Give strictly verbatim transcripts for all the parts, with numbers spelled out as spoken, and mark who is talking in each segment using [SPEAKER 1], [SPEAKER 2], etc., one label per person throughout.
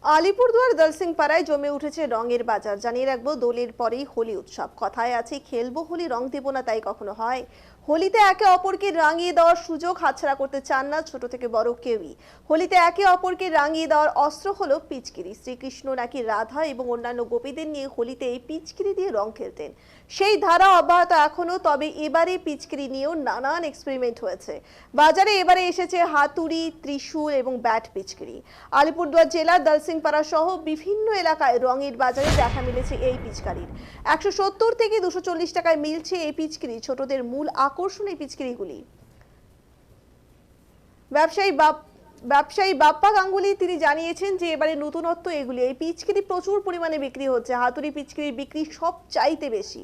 [SPEAKER 1] আলিপুরদুয়ার দলসিংপাড়ায় জমে উঠেছে রঙের বাজার। জানিয়ে রাখবো, দোলের পরেই হোলি উৎসব। কথায় আছে, খেলবো হোলি রং দেবো না, তাই কখনো হয়? হোলিতে একে অপরকে রাঙিয়ে দেওয়ার সুযোগ হাতছাড়া করতে চান না ছোট থেকে বড় কেউই। হোলিতে একে অপরকে রাঙিয়ে দেওয়ার অস্ত্র হলো পিচকিরি। শ্রীকৃষ্ণ নাকি রাধা এবং অন্যান্য গোপীদের নিয়ে হোলিতে এই পিচকিরি দিয়ে রং খেলতেন। সেই ধারা অব্যাহত এখনো, তবে এবারে পিচকিরি নিয়েও নানান এক্সপেরিমেন্ট হয়েছে। বাজারে এবারে এসেছে হাতুড়ি, ত্রিশূল এবং ব্যাট পিচকিরি। আলিপুরদুয়ার জেলার দলসিংপাড়া সহ বিভিন্ন এলাকায় রঙের বাজারে দেখা মিলেছে এই পিচকারির। একশো সত্তর থেকে দুশো চল্লিশ টাকায় মিলছে এই পিচকিরি। ছোটদের মূল আকর্ষণ এই পিচকিরিগুলি। ব্যবসায়ী বাপ ব্যবসায়ী বাপ্পা গাঙ্গুলি তিনি জানিয়েছেন যে এবারে নতুনত্ব এগুলি। এই পিচকিরি প্রচুর পরিমাণে বিক্রি হচ্ছে। হাতুড়ি পিচকিরির বিক্রি সব চাইতে বেশি।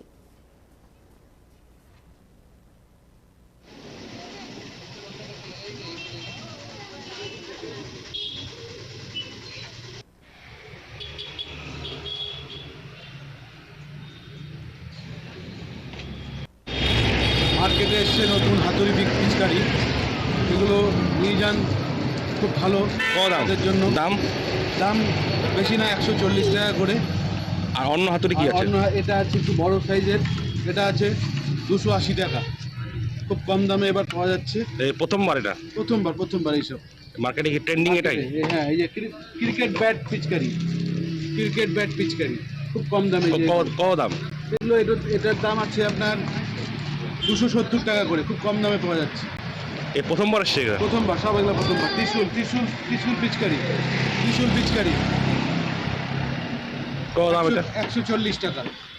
[SPEAKER 2] মার্কেটে এসছে নতুন হাতুড়ি পিচকারি, এগুলো নিয়ে যান, খুব ভালো।
[SPEAKER 3] তাদের
[SPEAKER 2] জন্য
[SPEAKER 3] দাম
[SPEAKER 2] দাম বেশি না, একশো চল্লিশ টাকা করে।
[SPEAKER 3] আর অন্য হাতুড়ি কি
[SPEAKER 2] আর
[SPEAKER 3] আছে?
[SPEAKER 2] অন্য এটা আছে একটু বড় সাইজের, এটা আছে দুশো আশি টাকা। খুব কম দামে এবার পাওয়া যাচ্ছে।
[SPEAKER 3] এই প্রথমবার এটা
[SPEAKER 2] প্রথমবার প্রথমবার এইসব
[SPEAKER 3] মার্কেটে কি ট্রেন্ডিং এটাই?
[SPEAKER 2] হ্যাঁ, এই যে ক্রিকেট ব্যাট পিচকারি, ক্রিকেট ব্যাট পিচকারি খুব কম দামে।
[SPEAKER 3] কত দাম
[SPEAKER 2] এগুলো এটার দাম আছে আপনার দুশো সত্তর টাকা করে, খুব কম দামে পাওয়া যাচ্ছে।
[SPEAKER 3] এই প্রথমবার এসছে এটা?
[SPEAKER 2] প্রথমবার, সব এগুলো প্রথমবার। ত্রিশূল ত্রিশূল ত্রিশূল পিচকারি, ত্রিশূল পিচকারি
[SPEAKER 3] কত দাম এটা?
[SPEAKER 2] একশো চল্লিশ টাকা।